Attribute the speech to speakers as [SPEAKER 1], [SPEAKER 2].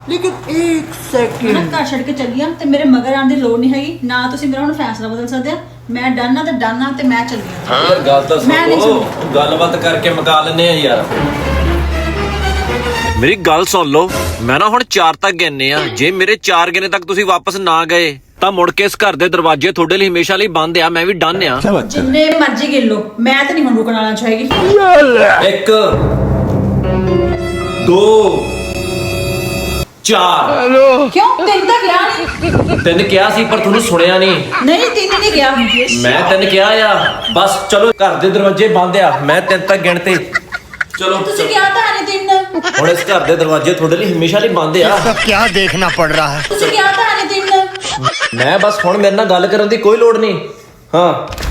[SPEAKER 1] लेकिन एक सेकंड
[SPEAKER 2] ਮੈਂ ਘਰ ਛੱਡ ਕੇ ਚੱਲੀ ਆ ਤੇ ਮੇਰੇ ਮਗਰ ਆਉਣ ਦੀ ਲੋੜ ਨਹੀਂ ਹੈਗੀ ਨਾ ਤੁਸੀਂ ਮੇਰਾ ਹੁਣ ਫੈਸਲਾ ਬਦਲ ਸਕਦੇ ਆ ਮੈਂ ਡਨ ਆ ਤੇ ਡਨ ਆ ਤੇ ਮੈਂ ਚੱਲੀ ਆ
[SPEAKER 3] ਯਾਰ ਗੱਲ ਤਾਂ
[SPEAKER 2] ਮੈਂ ਨਹੀਂ
[SPEAKER 3] ਸੁਣੋ ਗੱਲਬਾਤ ਕਰਕੇ ਮੁਕਾ ਲੈਨੇ ਆ ਯਾਰ
[SPEAKER 4] ਮੇਰੀ ਗੱਲ ਸੁਣ ਲਓ ਮੈਂ ਨਾ ਹੁਣ 4 ਤੱਕ ਗਿਣਨੇ ਆ ਜੇ ਮੇਰੇ 4 ਗਿਣੇ ਤੱਕ ਤੁਸੀਂ ਵਾਪਸ ਨਾ ਗਏ ਤਾਂ ਮੁੜ ਕੇ ਇਸ ਘਰ ਦੇ ਦਰਵਾਜ਼ੇ ਤੁਹਾਡੇ ਲਈ ਹਮੇਸ਼ਾ ਲਈ ਬੰਦ ਆ ਮੈਂ ਵੀ ਡਨ ਆ
[SPEAKER 2] ਜਿੰਨੇ ਮਰਜ਼ੀ ਗਿਣ ਲਓ ਮੈਂ ਤਾਂ ਨਹੀਂ ਹੁਣ ਰੁਕਣ ਵਾਲਾ ਚਾਹੇਗੀ
[SPEAKER 3] 1 2 4
[SPEAKER 2] ਕਿਉਂ ਤਿੰਨ ਤਾਂ ਗਿਆ ਨਹੀਂ
[SPEAKER 3] ਤਿੰਨ ਕਿਹਾ ਸੀ ਪਰ ਤੁਹਾਨੂੰ ਸੁਣਿਆ ਨਹੀਂ
[SPEAKER 2] ਨਹੀਂ ਤਿੰਨ ਨਹੀਂ ਗਿਆ
[SPEAKER 3] ਮੈਂ ਤਿੰਨ ਕਿਹਾ ਆ ਬਸ ਚਲੋ ਘਰ ਦੇ ਦਰਵਾਜ਼ੇ ਬੰਦ ਆ ਮੈਂ ਤਿੰਨ ਤੱਕ ਗਿਣਤੇ ਚਲੋ
[SPEAKER 2] ਤੁਸੀਂ ਕਿਹਾ ਤਾਂ ਨਹੀਂ ਤਿੰਨ
[SPEAKER 3] ਹੁਣ ਇਸ ਘਰ ਦੇ ਦਰਵਾਜ਼ੇ ਤੁਹਾਡੇ ਲਈ ਹਮੇਸ਼ਾ ਲਈ ਬੰਦ ਆ
[SPEAKER 1] सब क्या देखना पड़ रहा है
[SPEAKER 2] ਤੁਸੀਂ ਕਿਹਾ ਤਾਂ ਨਹੀਂ ਤਿੰਨ
[SPEAKER 3] ਮੈਂ ਬਸ ਹੁਣ ਮੇਰੇ ਨਾਲ ਗੱਲ ਕਰਨ ਦੀ ਕੋਈ ਲੋੜ ਨਹੀਂ ਹਾਂ